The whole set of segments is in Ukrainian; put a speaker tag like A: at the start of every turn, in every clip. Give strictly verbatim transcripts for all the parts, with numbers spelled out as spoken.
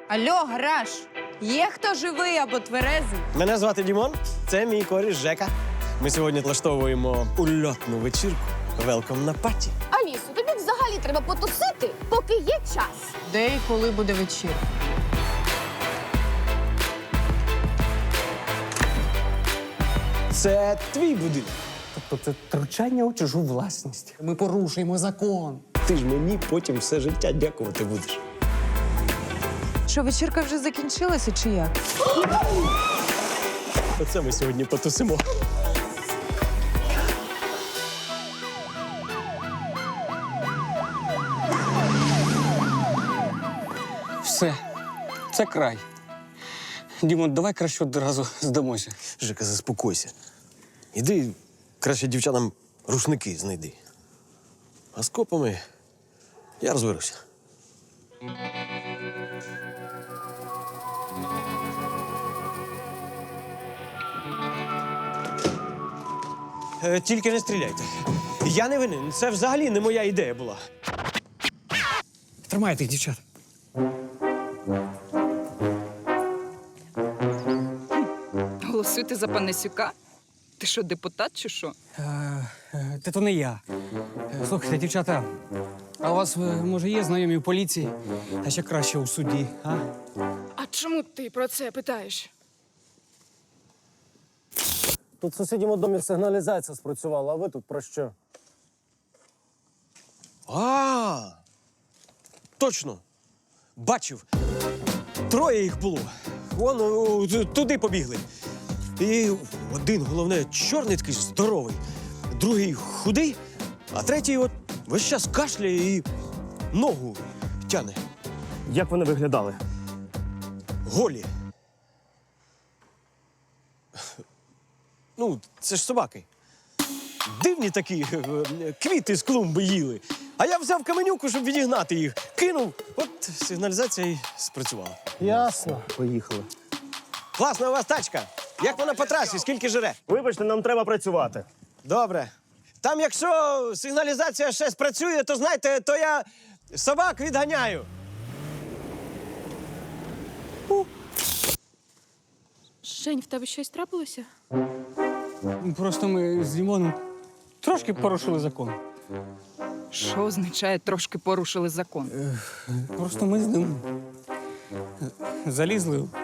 A: Алло, гараж! Є хто живий або тверезий?
B: Мене звати Дімон, це мій коріш Жека. Ми сьогодні влаштовуємо ульотну вечірку. Велком на паті.
C: Алісо, тобі взагалі треба потусити, поки є час.
A: Де і коли буде вечірка?
B: Це твій будинок.
D: Тобто це втручання у чужу власність. Ми порушуємо закон.
B: Ти ж мені потім все життя дякувати будеш.
A: Що, вечірка вже закінчилася чи як?
B: Оце ми сьогодні потусимо.
D: Все. Це край. Дімон, давай краще одразу здамося.
B: Жека, заспокойся. Іди краще дівчатам рушники знайди. А з копами я розберуся. Е, тільки не стріляйте. Я не винен. Це взагалі не моя ідея була.
D: Тримайте їх, дівчат.
E: Голосуєте за Панасюка? Ти що, депутат чи що?
D: Е, е, Та то не я. Е, Слухайте, дівчата, а у вас, е, може, є знайомі в поліції? А ще краще у суді, а?
F: А чому ти про це питаєш?
G: Тут в сусідньому домі сигналізація спрацювала, а ви тут про що?
B: А, точно. Бачив. Троє їх було. Вон о, т- туди побігли. І один, головне, чорний такий здоровий, другий худий, а третій от весь час кашляє і ногу тяне.
G: Як вони виглядали?
B: Голі. Ну, це ж собаки. Дивні такі, е, квіти з клумби їли. А я взяв каменюку, щоб відігнати їх. Кинув, от сигналізація і спрацювала.
G: Ясно. Поїхали.
B: Класна у вас тачка. Як вона по трасі, скільки жре?
G: Вибачте, нам треба працювати.
B: Добре. Там, якщо сигналізація ще спрацює, то знаєте, то я собак відганяю.
F: Жень, в тебе щось трапилося?
D: Просто ми з Дімоном трошки порушили закон.
E: Що означає трошки порушили закон?
D: Просто ми з ним залізли. у-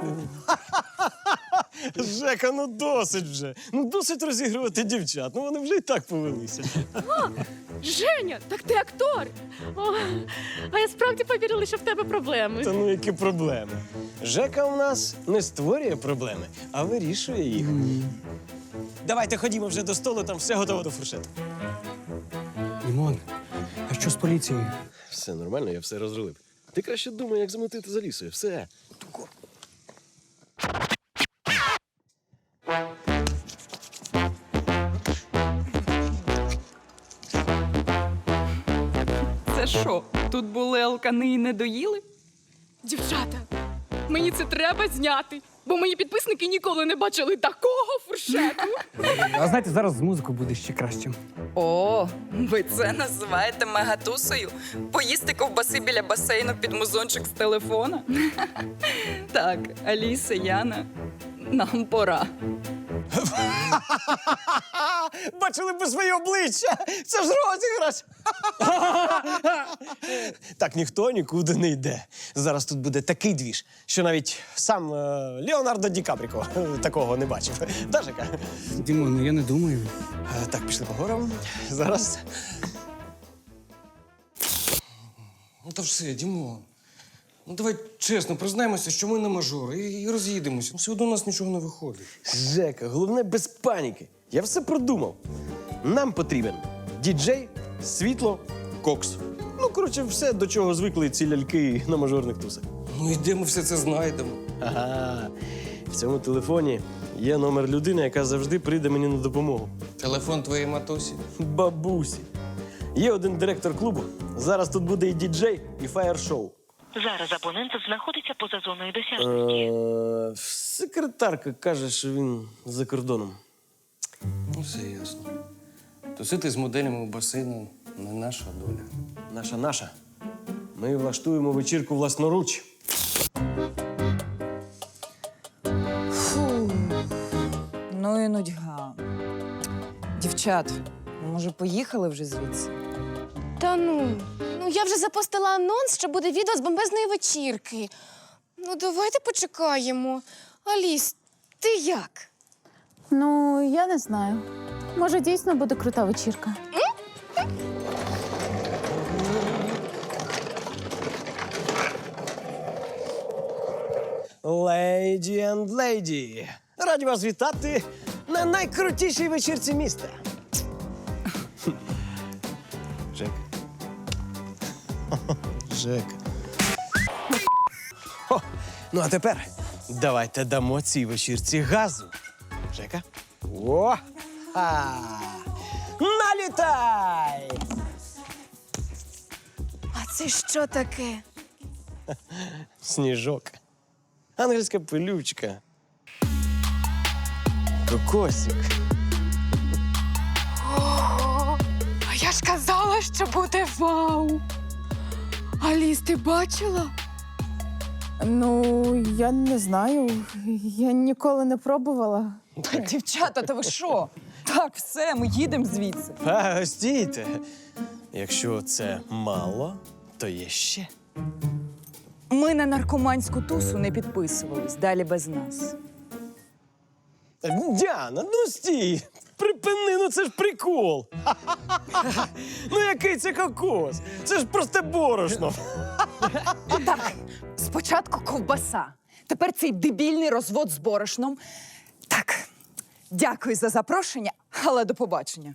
B: Жека, ну досить вже. Ну досить розігрувати дівчат. Ну вони вже і так повелися.
F: Женя, так ти актор! О, а я справді повірила, що в тебе проблеми.
B: Та ну які проблеми? Жека у нас не створює проблеми, а вирішує їх. Давайте ходімо вже до столу, там все готово до фуршету.
D: Дімон, а що з поліцією?
B: Все нормально, я все розрулив. Ти краще думай, як замотити за лісою. Все.
E: Це що, тут були алкани і не доїли?
F: Дівчата, мені це треба зняти, бо мої підписники ніколи не бачили такого фуршету.
D: А знаєте, зараз з музикою буде ще краще.
E: О, ви це називаєте мегатусою? Поїсти ковбаси біля басейну під музончик з телефона? Так, Аліса, Яна, нам пора.
B: Бачили б своє обличчя! Це ж розіграш! Так ніхто нікуди не йде. Зараз тут буде такий двіж, що навіть сам е, Леонардо Ді Капріко такого не бачив. Да, Жека?
D: Дімон, ну я не думаю.
B: Е, Так, пішли по горам. Зараз.
D: Ну та все, Дімон. Ну давай чесно, признаємося, що ми не мажори і, і роз'їдемося. Ну, все одно у нас нічого не виходить.
B: Жека, головне без паніки. Я все продумав. Нам потрібен діджей, світло, кокс. Ну, коротше, все, до чого звикли ці ляльки на мажорних тусах.
D: Ну і де ми все це знайдемо?
B: Ага. В цьому телефоні є номер людини, яка завжди прийде мені на допомогу.
D: Телефон твоєї матусі.
B: Бабусі. Є один директор клубу. Зараз тут буде і діджей, і фаєр-шоу.
H: Зараз абонент знаходиться поза зоною досяжності.
B: Е, Секретарка каже, що він за кордоном.
D: Ну, все ясно. Тусити з моделями у басейну не наша доля.
B: Наша наша. Ми влаштуємо вечірку власноруч.
E: Дівчат, може, поїхали вже звідси?
C: Та ну, ну я вже запостила анонс, що буде відео з бомбезної вечірки. Ну, давайте почекаємо. Аліс, ти як?
I: Ну, я не знаю. Може, дійсно буде крута вечірка.
B: Леді енд леді. Раді вас вітати на найкрутішій вечірці міста. Жек. Жек. О, ну а тепер давайте дамо цій вечірці газу. Жека. О! А! Налітай!
C: А це що таке?
B: Сніжок. Ангельська пилючка. Кокосик.
F: Ого! А я ж казала, що буде вау! Аліс, ти бачила?
I: Ну, я не знаю. Я ніколи не пробувала.
E: Дівчата, та ви що? Так, все, ми їдемо звідси.
B: А, стійте. Якщо це мало, то є ще.
E: Ми на наркоманську тусу не підписувались, далі без нас.
B: Діана, ну стій! Припини, ну це ж прикол. Ха-ха-ха. Ну який це кокос? Це ж просто борошно.
E: Так, спочатку ковбаса, тепер цей дебільний розвод з борошном. Так, дякую за запрошення, але до побачення.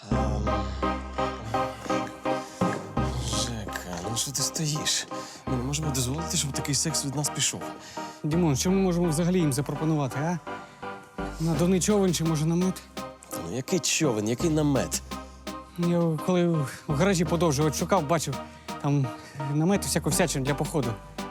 B: Жека, ну що ти стоїш? Ми не можемо дозволити, щоб такий секс від нас пішов.
D: Дімон, що ми можемо взагалі їм запропонувати, а? Надувний човен чи може намет?
B: Ну який човен, який намет?
D: Я коли в гаражі подовжував, шукав, бачив, там намет і всяку всячину для походу.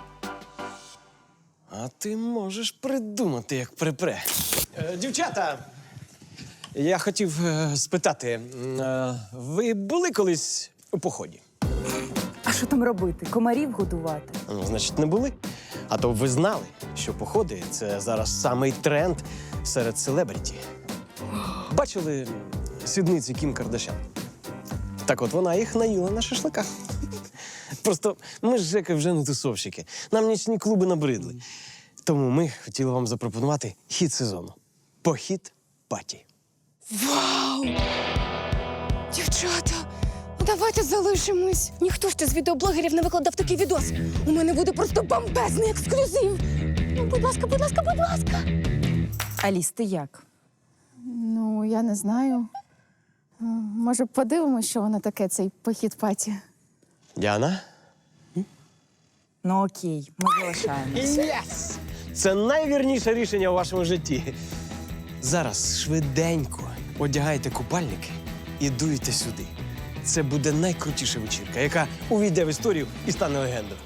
B: А ти можеш придумати, як припре. Е, дівчата, я хотів е, спитати, м, е, ви були колись у поході?
E: А що там робити? Комарів годувати?
B: Ну, значить, не були. А то б ви знали, що походи – це зараз самий тренд серед селебріті. Бачили сідниці Кім Кардашян? Так от вона їх наїла на шашликах. Просто ми з Жекою вже не тусовщики. Нам нічні клуби набридли. Тому ми хотіли вам запропонувати хіт сезону. Похід паті.
C: Вау! Дівчата, давайте залишимось. Ніхто ще з відеоблогерів не викладав такий відос. У мене буде просто бомбезний ексклюзив. Ну, будь ласка, будь ласка, будь ласка.
E: Аліс, ти як?
I: Ну, я не знаю. Е, Може, подивимося, що воно таке, цей похід паті.
B: Діана?
E: Ну окей, ми залишаємось.
B: Єс! Це найвірніше рішення у вашому житті. Зараз швиденько одягайте купальники і дуйте сюди. Це буде найкрутіша вечірка, яка увійде в історію і стане легендою.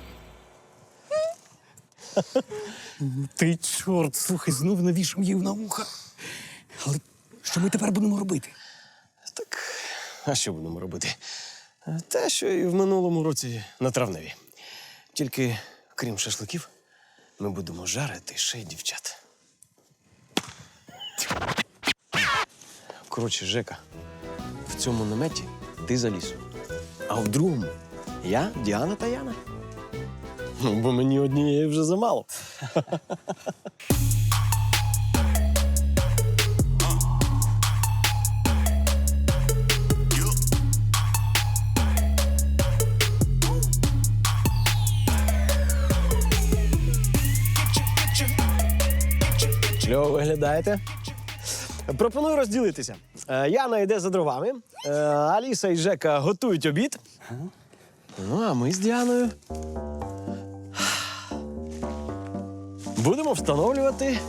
D: Ти чорт, слухай, знов навішав їв на вуха. Але що ми тепер будемо робити?
B: Так, а що будемо робити? Те, що і в минулому році на травневі. Тільки, крім шашликів, ми будемо жарити ще й дівчат. Коротше, Жека, в цьому наметі ти за лісом. А в другому я, Діана та Яна. Ну, бо мені однієї вже замало. Кльово виглядаєте. Пропоную розділитися. Е, Яна йде за дровами, е, Аліса і Жека готують обід. Ну, а ми з Діаною будемо встановлювати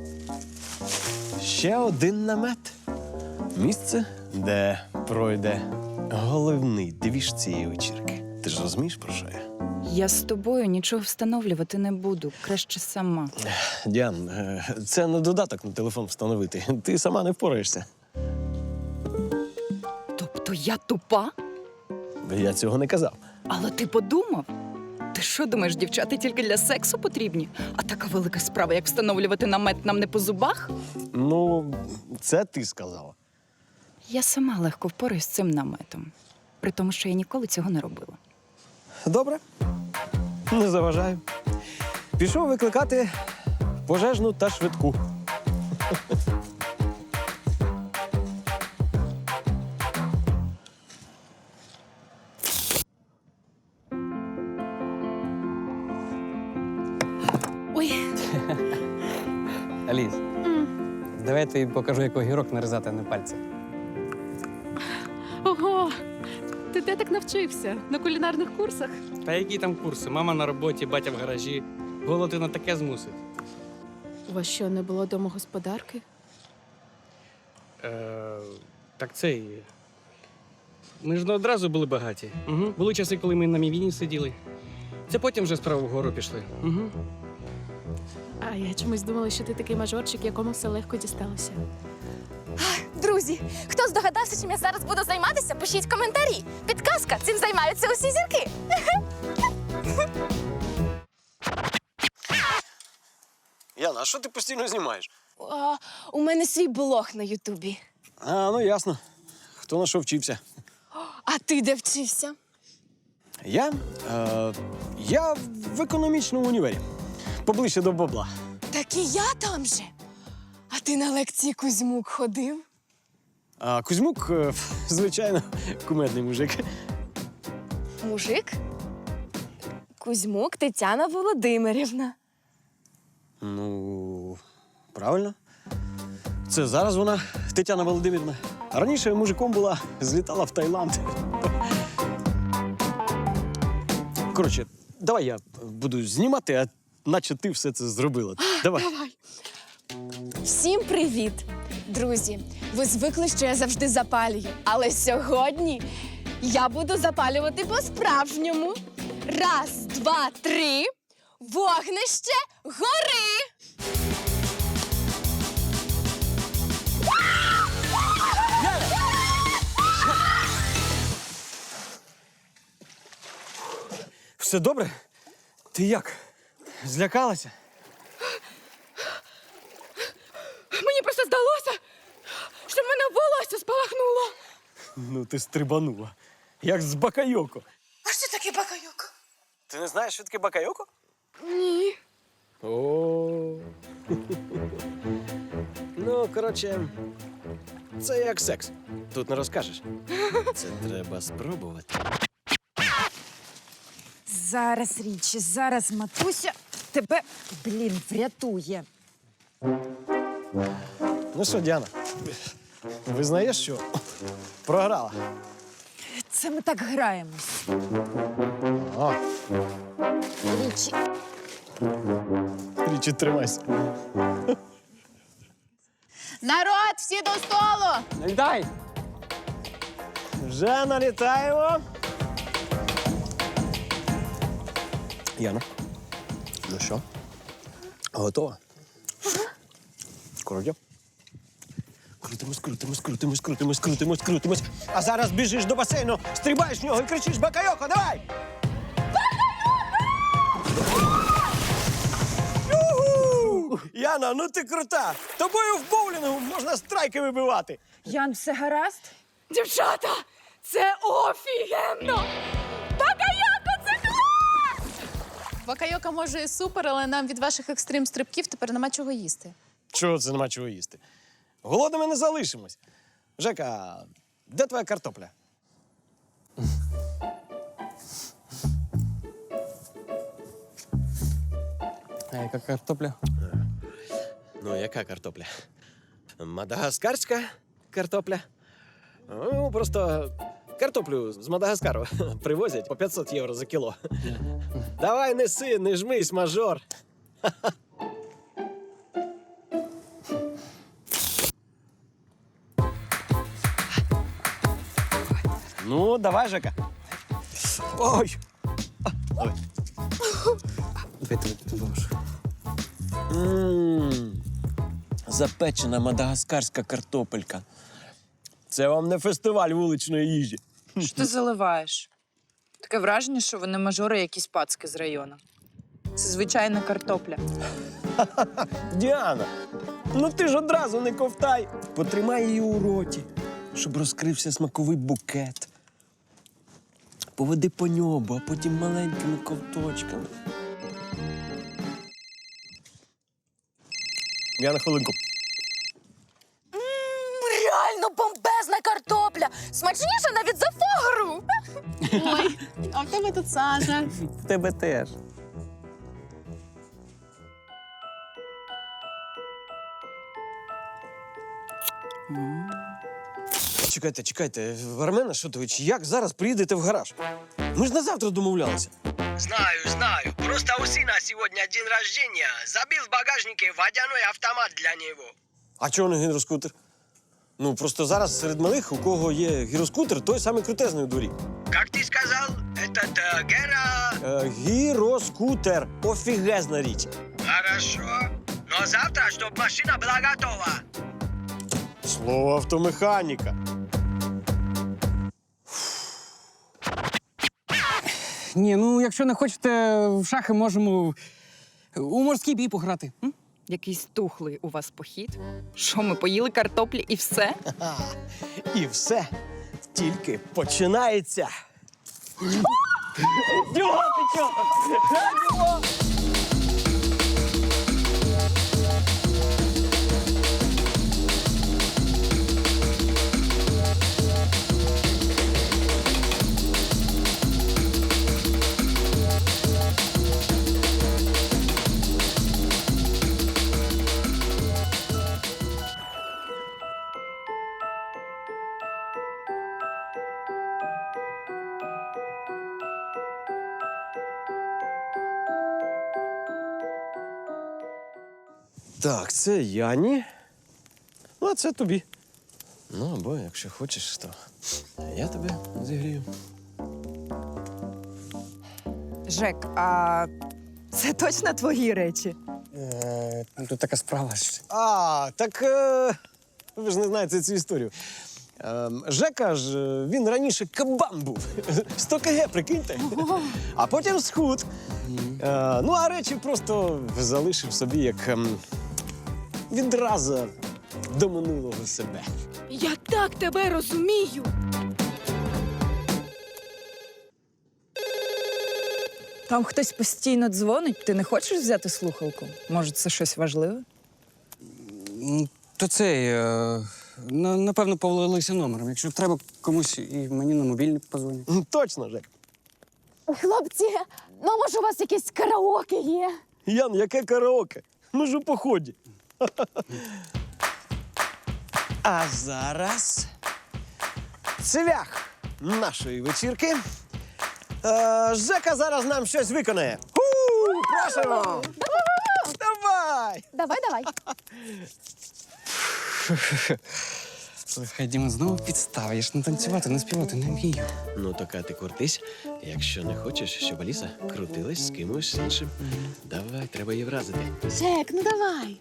B: ще один намет. Місце, де пройде головний двіж цієї вечірки. Ти ж розумієш, про що я?
E: Я з тобою нічого встановлювати не буду, краще сама.
B: Діан, е, це не додаток на телефон встановити. Ти сама не впораєшся.
E: Тобто я тупа?
B: Я цього не казав.
E: Але ти подумав? Ти що думаєш, дівчата тільки для сексу потрібні? А така велика справа, як встановлювати намет, нам не по зубах?
B: Ну, це ти сказала.
E: Я сама легко впораюсь з цим наметом, при тому, що я ніколи цього не робила.
B: Добре. Не заважаю. Пішов викликати пожежну та швидку.
C: Ой,
D: Аліс, давай я тобі покажу, як огірок нарізати на пальці.
F: Ого! Ти де так навчився? На кулінарних курсах?
D: Та які там курси? Мама на роботі, батя в гаражі. Голод і на таке змусить.
F: У вас що, не було домогосподарки?
D: Е, так цей. Ми ж не одразу були багаті. Угу. Були часи, коли ми на мівіні сиділи. Це потім вже справа вгору пішли. Угу.
F: А я чомусь думала, що ти такий мажорчик, якому все легко дісталося.
C: друзі, хто здогадався, чим я зараз буду займатися, пишіть коментарі. Підказка, цим займаються усі зірки.
B: Яна, а що ти постійно знімаєш?
C: А, у мене свій блог на Ютубі.
B: А, ну ясно. Хто на що вчився?
C: А ти де вчився?
B: Я? Е, я в економічному універі. Поближче до бабла.
C: Так і я там же. А ти на лекції Кузьмук ходив?
B: А Кузьмук, е, звичайно, кумедний мужик.
C: Мужик? Кузьмук Тетяна Володимирівна.
B: Ну, правильно. Це зараз вона, Тетяна Володимирівна. А раніше мужиком була, злітала в Таїланд. Коротше, давай я буду знімати, а наче ти все це зробила. Давай.
F: Давай.
C: Всім привіт! Друзі, ви звикли, що я завжди запалюю. Але сьогодні я буду запалювати по-справжньому. Раз, два, три. Вогнище гори!
B: Все добре? Ти як? Злякалася?
F: Мені просто здалося, що в мене волосся спалахнуло.
B: Ну, ти стрибанула. Як з бакайоко.
C: А що таке бакайоко?
B: Ти не знаєш, що таке бакайоко?
F: Ні.
B: О. Ну, коротше, це як секс. Тут не розкажеш. Це треба спробувати.
A: Зараз, Річі, зараз матуся тебе, блін, врятує.
B: Ну що, Діана, визнаєш, що програла?
A: Це ми так граємось.
B: О,
A: Річі,
B: Річі, тримайся.
I: Народ, всі до столу!
D: Дай!
B: Вже налітаємо. Яна, ну що, готова? Крутя. Крутимось, крутимось, крутимось, крутимось, крутимось, крутимось. А зараз біжиш до басейну, стрибаєш в нього і кричиш «Бакайоко, давай!» Юху! Яна, ну ти крута! Тобою в боулінгу можна страйки вибивати.
A: Ян, все гаразд?
F: Дівчата, це офігенно! Бакайоко, це клас!
I: Бакайока може і супер, але нам від ваших екстрим-стрибків тепер нема чого їсти.
B: Чого це нема чого їсти? Голодними не залишимось. Жека, де твоя картопля?
D: А яка картопля?
B: Ну, яка картопля? Мадагаскарська картопля? Ну, просто картоплю з Мадагаскару привозять по п'ятсот євро за кіло. Давай неси, не жмись, мажор. Ну, давай, Жека. Ой! Ой.
D: Дай тобі допоможу.
B: Ммм, запечена мадагаскарська картопелька. Це вам не фестиваль вуличної їжі.
A: Що ти заливаєш? Таке враження, що вони мажори якісь пацки з району. Це звичайна картопля.
B: Діана, ну ти ж одразу не ковтай. Потримай її у роті. щоб розкрився смаковий букет. Поведи по ньому, а потім маленькими ковточками. Я на хвилинку.
C: Реально бомбезна картопля! Смачніша навіть за фогру!
I: Ой, а в тебе тут сажа.
B: В тебе теж. Чекайте, чекайте, Армен Ашотович, як зараз приїдете в гараж? Ми ж на завтра домовлялися.
J: Знаю, знаю. Просто у сына сегодня день рождения. Забил в багажнике водяной автомат для него.
B: А чого не гіроскутер? Ну, просто зараз серед малих, у кого є гіроскутер, той самий крутезний у дворі.
J: Как ты сказал, этот э, Гера...
B: Е, гіроскутер. Офігезна річ.
J: Хорошо. Но завтра, чтобы машина была готова.
B: Слово автомеханіка.
D: Ні, ну якщо не хочете в шахи, можемо у морський бій пограти. М?
E: Якийсь тухлий у вас похід. Що, ми поїли картоплі і все?
B: І все тільки починається. Так, це Яні. Ну, а це тобі. Ну, або якщо хочеш, то я тебе зігрію.
E: Жек, а це точно твої речі?
D: Е, тут така справа. що-
B: А, так е, ви ж не знаєте цю історію. Е, Жека ж, е, він раніше кабан був. сто кілограмів, прикиньте. А потім схуд. Е, ну, а речі просто залишив собі як ем, відразу до минулого себе.
F: Я так тебе розумію.
A: Там хтось постійно дзвонить, ти не хочеш взяти слухалку? Може, це щось важливе?
D: М, То цей, е, на- напевно, повалилися номером. Якщо треба комусь і мені на мобільний позвонять.
B: М, Точно, Жек.
C: Хлопці, ну може у вас якесь караоке є?
B: Ян, яке караоке? Ми ж у поході. А зараз цвях нашої вечірки. Е, Жека зараз нам щось виконає. Ху, просимо! Давай!
C: Давай, давай.
D: Слухай, Діма, знову підстава. Я ж не танцювати, не співати не вмію.
B: Ну, така ти крутись, якщо не хочеш, щоб Аліса крутилась з кимось іншим. Давай, треба її вразити.
C: Жек, ну давай.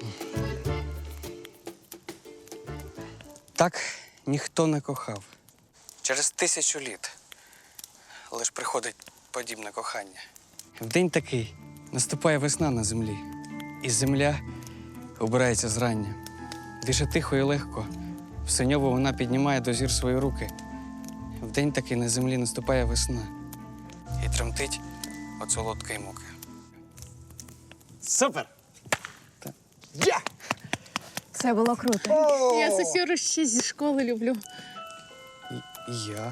D: Так ніхто не кохав. Через тисячу літ лиш приходить подібне кохання. В день такий наступає весна на землі, і земля обирається зрання. Дише тихо і легко, в синьово вона піднімає до зір свої руки. В день такий на землі наступає весна, і тремтить от солодкої муки.
B: Супер!
D: Так.
B: Я!
I: Це було круто. Я Сосюру ще зі школи люблю.
D: І я.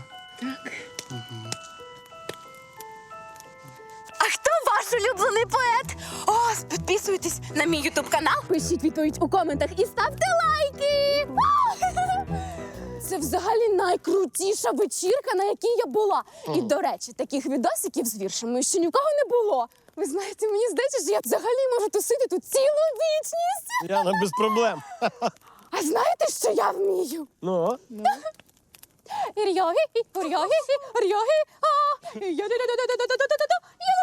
C: А хто ваш улюблений поет? О, підписуйтесь на мій ютуб канал, пишіть відповідь у коментах і ставте лайки. Це взагалі найкрутіша вечірка, на якій я була. І, до речі, таких відосиків з віршами ще ні в кого не було. Ви знаєте, мені здається, що я взагалі можу тусити тут цілу вічність.
B: Яна, без проблем.
C: А знаєте, що я вмію?
B: Ну,
C: Ір'яги, ір'яги, ір'яги, а, я-да-да-да-да-да-да-да-да-да.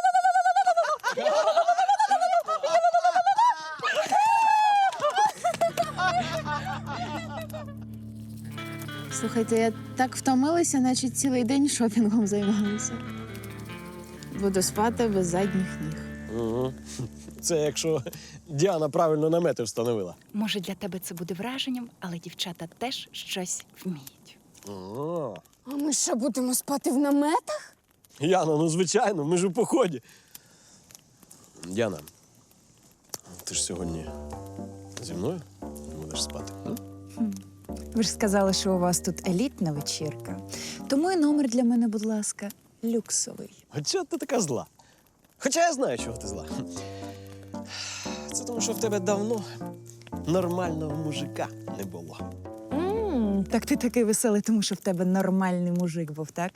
I: Слухайте, я так втомилася, наче цілий день шопінгом займалася. Буду спати без задніх ніг.
B: Угу. Це якщо Діана правильно намети встановила.
E: Може, для тебе це буде враженням, але дівчата теж щось вміють.
B: О,
C: А ми що, будемо спати в наметах?
B: Яна, ну звичайно, ми ж у поході. Діана, ти ж сьогодні зі мною будеш спати? м?
K: Ви ж сказали, що у вас тут елітна вечірка. Тому і номер для мене, будь ласка, люксовий.
B: А чого ти така зла? Хоча я знаю, чого ти зла. Це тому, що в тебе давно нормального мужика не було.
K: м так ти такий веселий, тому що в тебе нормальний мужик був, так?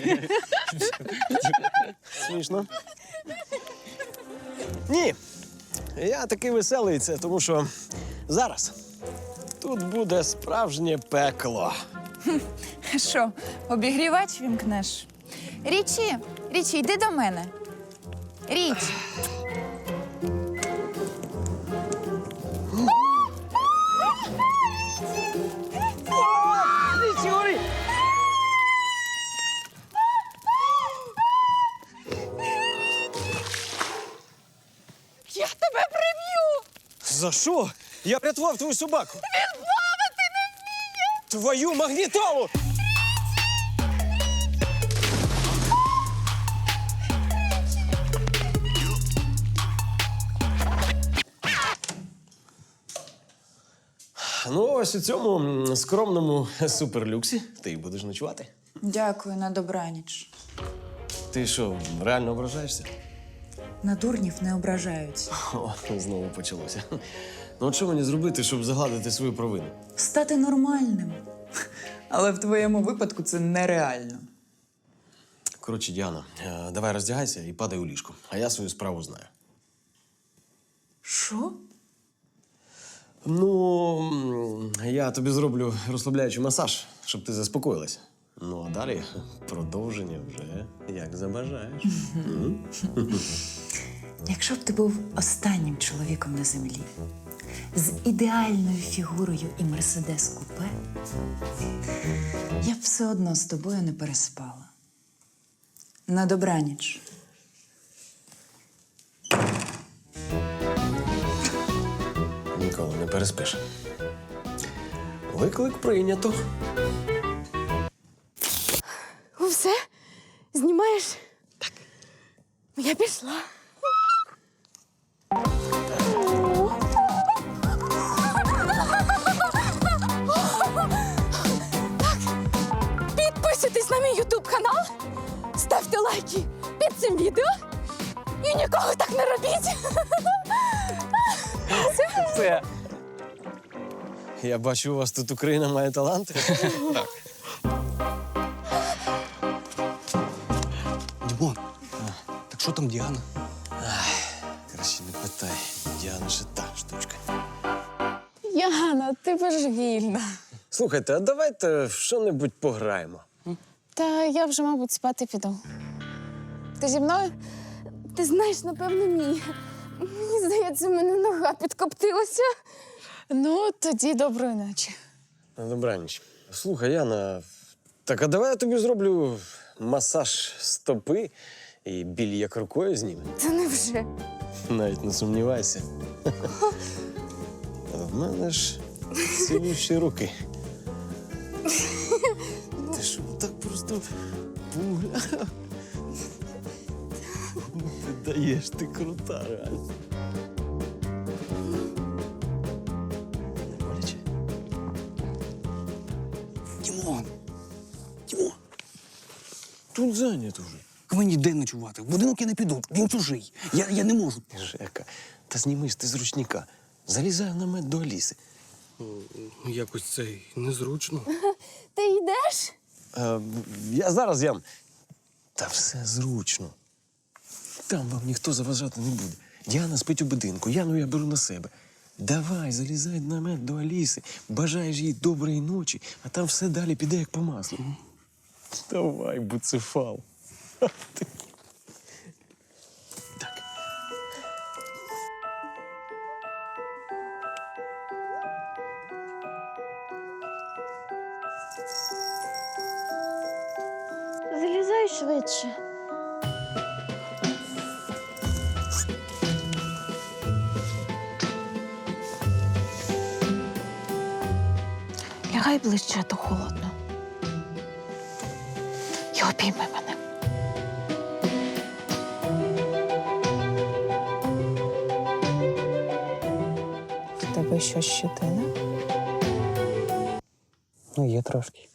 B: Смішно. Ні. Я такий веселий, це тому що зараз тут буде справжнє пекло.
K: Що, обігрівач вімкнеш? Річі, Річі, йди до мене. Річ.
C: Я тебе приб'ю!
B: За що? Я врятував твою собаку.
C: Він плавати не вміє!
B: Твою магнітолу! Ну, ось у цьому м, скромному суперлюксі ти й будеш ночувати.
K: Дякую, на добраніч.
B: Ти що, реально ображаєшся?
K: На дурнів не ображаються.
B: О, знову почалося. Ну, от що мені зробити, щоб загладити свою провину?
K: Стати нормальним. Але в твоєму випадку це нереально.
B: Коротше, Діана, е, давай роздягайся і падай у ліжко. А я свою справу знаю.
K: Що?
B: Ну, м, я тобі зроблю розслабляючий масаж, щоб ти заспокоїлася. Ну, а далі продовження вже як забажаєш. М?
K: Якщо б ти був останнім чоловіком на землі, з ідеальною фігурою і мерседес купе, я б все одно з тобою не переспала. На добраніч.
B: Ніколи не переспиш. Виклик прийнято.
C: Ну все? Знімаєш? Так. Я пішла. Так, підписуйтесь на мій ютуб канал, ставте лайки під цим відео і нікого так не робіть.
B: Це. Я бачу, у вас тут Україна має таланти.
D: Дімон, так що там Діана?
B: Краще не питай. Діана ще та штучка.
C: Яна, ти божевільна.
B: Слухайте, а давайте в що-небудь пограємо.
I: Та я вже, мабуть, спати піду. Ти зі мною?
C: Ти знаєш, напевно, ні. Мені здається, в мене нога підкоптилася.
I: Ну, тоді доброї ночі.
B: На добраніч. Слухай, Яна, так а давай я тобі зроблю масаж стопи і біль як рукою зніме.
C: Та невже?
B: Навіть не сумнівайся. А в мене ж цілющі руки. Ти що, так просто пугля? Ти даєш, ти крута, реально. Не боляче?
D: Дімон! Дімон!
B: Тут зайнято вже.
D: Мені де ночувати? В будинок я не піду, він чужий. Я, я не можу.
B: Жека, та знімись ти з ручника. Залізай в намет до Аліси.
D: Якось це незручно.
C: Ти йдеш?
B: Е, я зараз ям. Та все зручно. Там вам ніхто заважати не буде. Діана спить у будинку, Яну я беру на себе. Давай, залізай в намет до Аліси, бажаєш їй доброї ночі, а там все далі піде як по маслу. Давай, буцефал. Ти. Так.
C: Залізай швидше.
I: Лягай ближче, а то холодно. І обійми мене. В тебе що, щетина?
D: Ну, є трошки.